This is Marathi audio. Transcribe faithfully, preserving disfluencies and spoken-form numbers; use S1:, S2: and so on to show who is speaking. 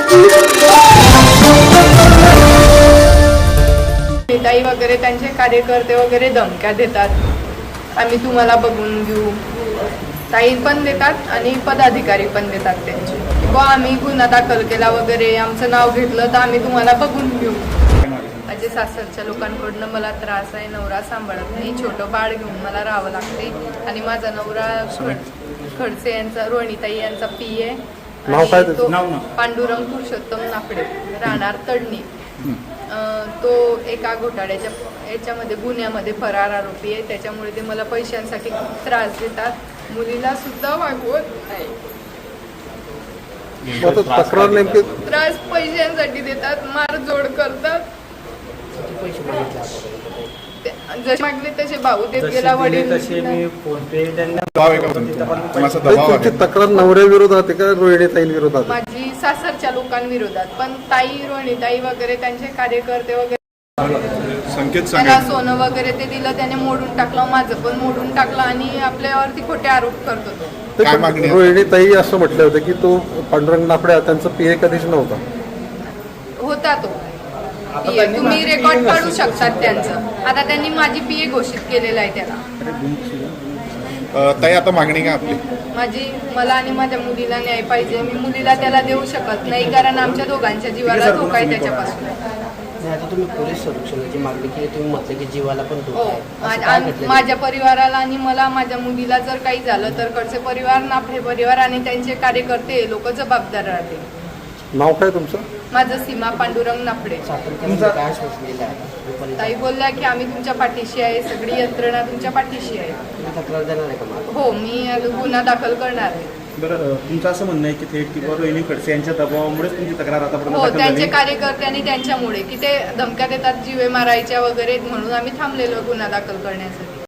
S1: ताई वगैरे त्यांचे कार्यकर्ते वगैरे धमक्या देतात, आम्ही तुम्हाला बघून घेऊ. ताई पण देतात आणि पदाधिकारी पण देतात त्यांचे, बुवा आम्ही गुन्हा दाखल केला वगैरे, आमचं नाव घेतलं तर आम्ही तुम्हाला बघून घेऊ. माझे सासरच्या लोकांकडनं मला त्रास आहे, नवरा सांभाळत नाही, छोटं बाळ घेऊन मला राहावं लागते. आणि माझा नवरा खडसे यांचा, रोहिणीताई यांचा पी आहे, पांडुरंग पुरुषोत्तम नाफडे, राहणार तडणी. तो एका घोटाळ्याच्या याच्यामध्ये गुन्ह्यामध्ये फरार आरोपी आहे, त्याच्यामुळे ते मला पैशांसाठी खूप त्रास देतात, मुलीला सुद्धा वागवत नाही.
S2: तक्रार नेमकी
S1: त्रास पैशांसाठी देतात, मारझोड करतात. जसे मागले तसे भाऊ देत गेला, वडील
S2: तुमची तक्रार नवऱ्या विरोधात आहे का रोहिणीताई विरोधात?
S1: माझी सासरच्या लोकांविरोधात, पण ताई रोहिणीताई वगैरे त्यांचे कार्यकर्ते वगैरे त्याला सोनं वगैरे ते दिलं, त्याने मोडून टाकलं, माझं पण मोडून टाकलं आणि आपल्यावरती खोटे आरोप करतो.
S2: रोहिणीताई असं म्हटलं होतं की तो पांडुरंग नाफडे त्यांचा पीए कधीच नव्हता.
S1: होता तो पीए, तुम्ही रेकॉर्ड काढू शकतात त्यांचं. आता त्यांनी माझी पीए घोषित केलेलं आहे त्याला.
S3: ताई आता मागणी का आपली?
S1: माझी मला आणि माझ्या मुलीला न्याय पाहिजे. मी मुलीला त्याला देऊ शकत नाही, कारण आमच्या दोघांच्या जीवाला धोका आहे त्याच्यापासून.
S4: आता तुम्ही पोलीस संरक्षणाची मागणी केली, तुम्ही म्हटलं की जीवाला पण धोका आहे.
S1: हो, माझ्या परिवाराला आणि मला, माझ्या मुलीला जर काही झालं तर कडचे परिवार, नाफडे परिवार आणि त्यांचे कार्यकर्ते लोक जबाबदार राहतील.
S2: नाव काय तुमचं?
S1: माझं सीमा पांडुरंग नाफडे.
S4: काय सोचलेलं आहे?
S1: ताई बोलल्या की आम्ही तुमच्या पाठीशी आहे, सगळी यंत्रणा तुमच्या पाठीशी आहे.
S4: तक्रार देणार आहे का?
S1: हो, मी गुन्हा दाखल करणार आहे.
S5: बरं, तुमचं असं म्हणणं आहे की थेट किंवा रोहिणी खडसे यांच्या दबावामुळेच तुमची तक्रार आतापर्यंत
S1: हो,
S5: दाखल झाली?
S1: त्यांचे कार्यकर्ते आणि त्यांच्यामुळे की ते धमक्या देतात जीवे मारायच्या वगैरे, म्हणून आम्ही थांबलेलो गुन्हा दाखल करण्यासाठी.